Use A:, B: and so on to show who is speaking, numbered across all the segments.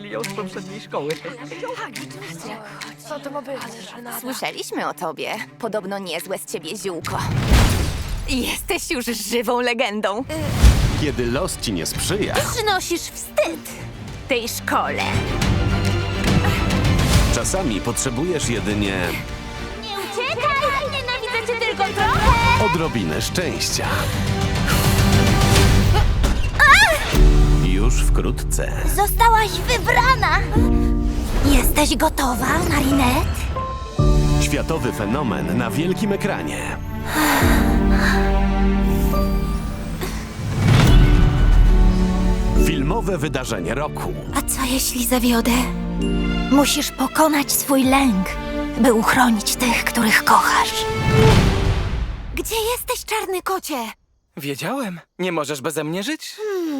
A: znali ją z poprzedniej szkoły.
B: Co to ma być?
C: Słyszeliśmy o tobie. Podobno niezłe z ciebie ziółko. Jesteś już żywą legendą.
D: Kiedy los ci nie sprzyja,
C: Przynosisz wstyd tej szkole.
D: czasami potrzebujesz jedynie
C: Nie uciekaj! Nienawidzę cię tylko trochę!
D: odrobinę szczęścia. Już wkrótce
C: Zostałaś wybrana! Jesteś gotowa, Marinette?
D: światowy fenomen na wielkim ekranie. Filmowe wydarzenie roku.
C: A co jeśli zawiodę? Musisz pokonać swój lęk, by uchronić tych, których kochasz. Gdzie jesteś, czarny kocie?
A: Wiedziałem. Nie możesz beze mnie żyć?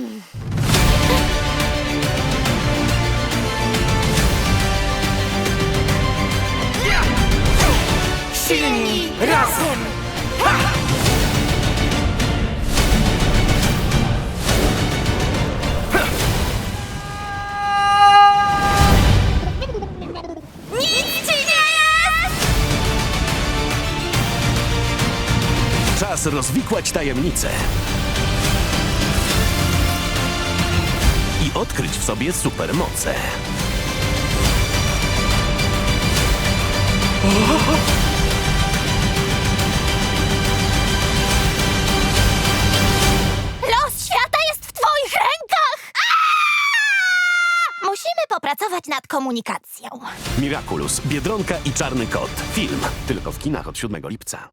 A: Silni razem!
D: Czas rozwikłać tajemnice i odkryć w sobie supermoce.
C: Los świata jest w twoich rękach! Musimy popracować nad komunikacją.
D: Miraculous, Biedronka i Czarny Kot. Film tylko w kinach od 7 lipca.